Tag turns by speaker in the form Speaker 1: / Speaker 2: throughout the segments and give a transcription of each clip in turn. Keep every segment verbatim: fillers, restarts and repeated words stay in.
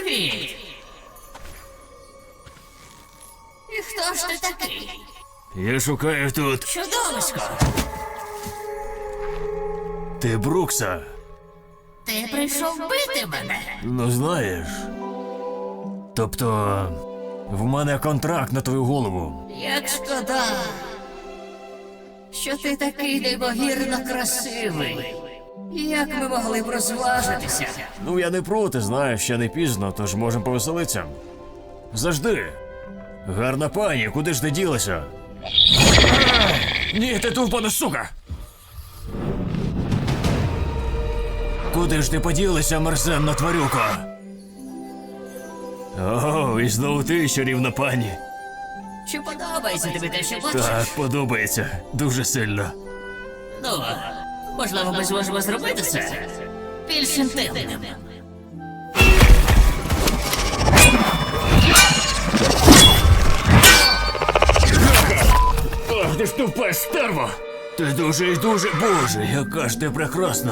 Speaker 1: Привіт! І хто ж ти такий?
Speaker 2: Я шукаю тут.
Speaker 1: Чудовисько!
Speaker 2: Ти Брукса?
Speaker 1: Ти прийшов бити мене?
Speaker 2: Ну знаєш. Тобто, в мене контракт на твою голову.
Speaker 1: Як шкода, що ти такий неймовірно красивий. Як ми могли б розважитися?
Speaker 2: Ну я не проти, знаєш, ще не пізно, тож можемо повеселитися. Завжди. Гарна пані, куди ж ти ділася? Ні, ти тупана сука! Куди ж ти поділася, мерзенна тварюка? О, і знову ти, чарівна пані.
Speaker 1: Чи подобається тобі те, що бачиш?
Speaker 2: Так, подобається. Дуже сильно.
Speaker 1: Ну, можливо, ми зможемо зробити це більш інтимним.
Speaker 2: Ах, ти ж тупе стерво! Ти дуже і дуже, боже, яка ж ти прекрасна.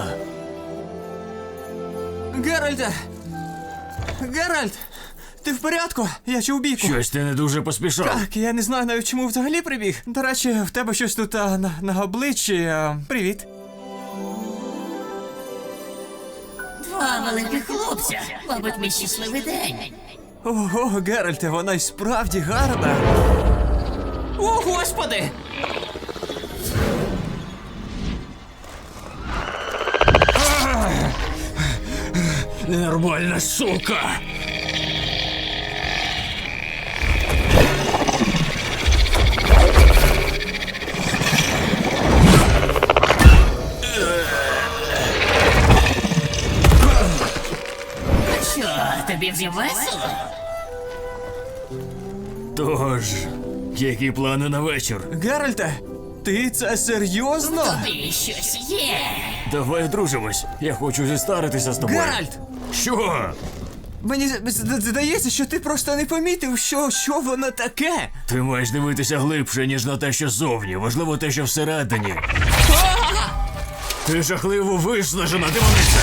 Speaker 3: Геральте! Геральт! Ти в порядку? Я чув бійку.
Speaker 2: Щось ти не дуже поспішав.
Speaker 3: Так, я не знаю навіть чому взагалі прибіг. До речі, в тебе щось тут а, на, на обличчі. А, привіт.
Speaker 1: Два великих хлопця. Мабуть, мій щасливий день.
Speaker 3: Ого, Геральте, вона й справді гарна. О, господи!
Speaker 2: Ненормальна сука!
Speaker 1: Що, тобі вже весело?
Speaker 2: Тож, які плани на вечір?
Speaker 3: Геральте, ти це серйозно?
Speaker 1: Тобі щось є.
Speaker 2: Давай одружимось. Я хочу зістаритися з тобою.
Speaker 3: Геральт!
Speaker 2: Що?
Speaker 3: Мені з- з- здається, що ти просто не помітив, що, що воно таке.
Speaker 2: Ти маєш дивитися глибше, ніж на те, що зовні. Важливо те, що всередині. Ти жахливо виснажена, демониця!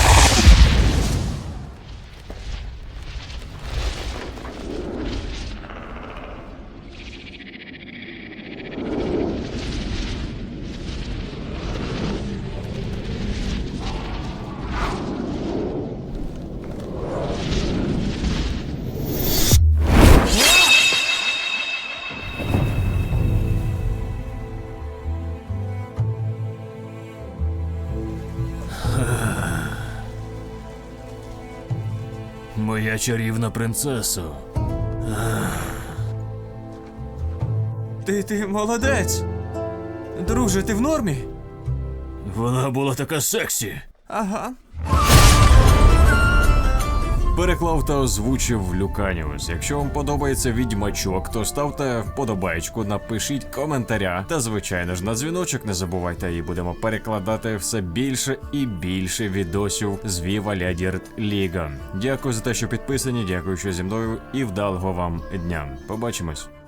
Speaker 2: Моя чарівна принцесо.
Speaker 3: Ти, ти молодець. Друже, ти в нормі?
Speaker 2: Вона була така сексі.
Speaker 3: Ага.
Speaker 4: Переклав та озвучив Люканіус. Якщо вам подобається відьмачок, то ставте вподобайку, напишіть коментаря. Та звичайно ж на дзвіночок не забувайте, і будемо перекладати все більше і більше відосів з Viva la Dirt League. Дякую за те, що підписані, дякую, що зі мною, і вдалого вам дня. Побачимось.